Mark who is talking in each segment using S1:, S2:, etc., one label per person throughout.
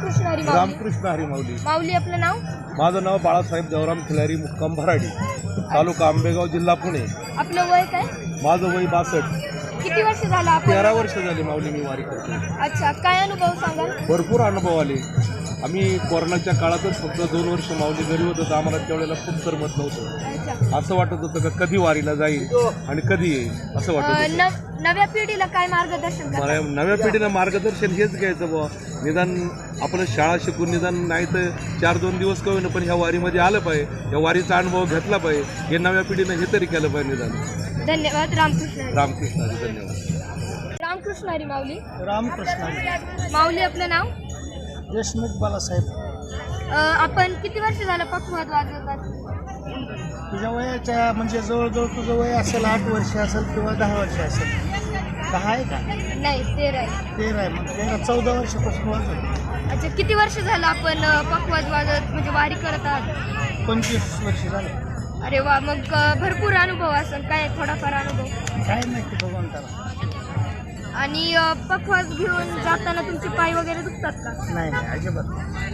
S1: रामकृष्ण हरी माऊली.
S2: रामकृष्ण हरी माऊली.
S1: माऊली आपलं नाव?
S2: माझं नाव बाळासाहेब देवराम खिलारी, मुक्काम भराडी, तालुका आंबेगाव, जिल्हा पुणे.
S1: आपलं वय काय?
S2: माझं वय 62.
S1: किती वर्ष झालं आपण?
S2: 13 वर्ष झाली माऊली मी वारी करतो.
S1: अच्छा, काय अनुभव सांगाल?
S2: भरपूर अनुभव आले. आम्ही कोरोनाच्या काळातच फक्त 2 वर्ष माऊली घरी होतो, तर आम्हाला त्यावेळेला खूप करमत नव्हतं.
S1: अच्छा.
S2: असं वाटत होतं का कधी वारीला जाईल आणि कधी येईल असं वाटत होतं.
S1: नव्या पिढीला काय मार्गदर्शन
S2: मला
S1: करता?
S2: नव्या पिढीनं मार्गदर्शन हेच घ्यायचं बुवा. निदान आपण शाळा शिकून निदान नाही तर 4-2 दिवस का होईना पण ह्या वारीमध्ये आलं पाहिजे, या वारीचा अनुभव घेतला पाहिजे. हे नव्या पिढीनं हे तरी केलं पाहिजे निदान.
S1: धन्यवाद. रामकृष्ण हरी.
S2: रामकृष्ण हरी. धन्यवाद.
S1: रामकृष्ण हरी माऊली.
S3: रामकृष्ण.
S1: माऊली आपलं नाव?
S3: देशमुख बालासाहेब.
S1: आपण किती वर्ष झालं पक्षवाद वाजवतात?
S3: तुझ्या वयाच्या म्हणजे जवळजवळ तुझं वय असेल 8 वर्ष असेल किंवा 10 वर्ष असेल. 10 आहे का?
S1: नाही, 13 आहे.
S3: 13 आहे. मग 14 वर्षापासून वाजवतो.
S1: अच्छा, किती वर्ष झालं आपण पक्षवाद वाजवत म्हणजे वारी करत आहात?
S3: 25 वर्ष झाले.
S1: अरे वा, मग भरपूर अनुभव असेल. काय थोडाफार अनुभव?
S3: काय माहिती भगवंताला.
S1: आणि पक्षवाद घेऊन जाताना तुमचे पाय वगैरे दुखतात का?
S3: नाही नाही अजिबात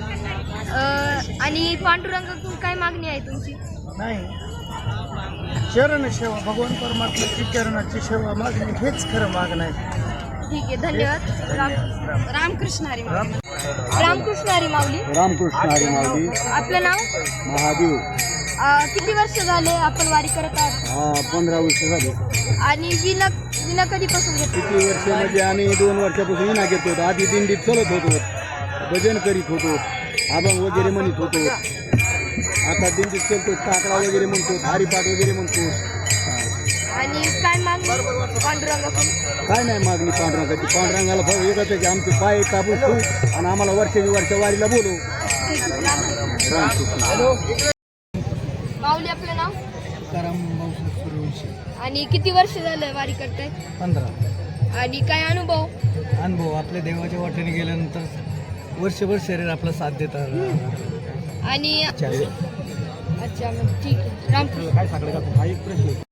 S1: आणि पांडुरंगाकडून काय मागणी आहे तुमची?
S3: नाही. चरण सेवा, भगवान परमात्म्याची चरणाची सेवा मागणे हेच खरं मागणं आहे.
S1: ठीक आहे, धन्यवाद. रामकृष्ण हरी माऊली. रामकृष्ण हरी माऊली.
S2: रामकृष्ण हरी माऊली.
S1: आपलं नाव?
S2: महादेव.
S1: किती वर्ष झाले आपण वारी करत आहात?
S2: 15 वर्ष झाले.
S1: आणि विना कधीपासून घेतो?
S2: किती वर्ष म्हणजे आम्ही 2 वर्षापासून विना घेत होतो. आधी दिंडीत चलत होतो, भजन करीत होतो, अभंग वगैरे म्हणत होतो. आता दिंडीत चलतो, काकडा वगैरे म्हणतो, हरिपाठ वगैरे म्हणतो.
S1: आणि काय मागणी पांडुरंगाकडून?
S2: काय नाही मागणी पांडुरंगाची. पांडुरंगाला भाऊ एकच आहे की आमचे पाय काबू ठेवू आणि आम्हाला वर्ष वारीला बोलू. रामकृष्ण.
S1: माऊली आपलं नाव?
S3: सूर्यवंशी.
S1: आणि किती वर्ष झालं वारी करताय?
S3: 15.
S1: आणि काय अनुभव?
S3: अनुभव आपल्या देवाच्या वाटेने गेल्यानंतर वर्षभर शरीर आपला साथ देतात.
S1: आणि अच्छा, मग ठीक आहे. रामकृष्ण.
S2: काय सांगलं का? हा एक प्रश्न.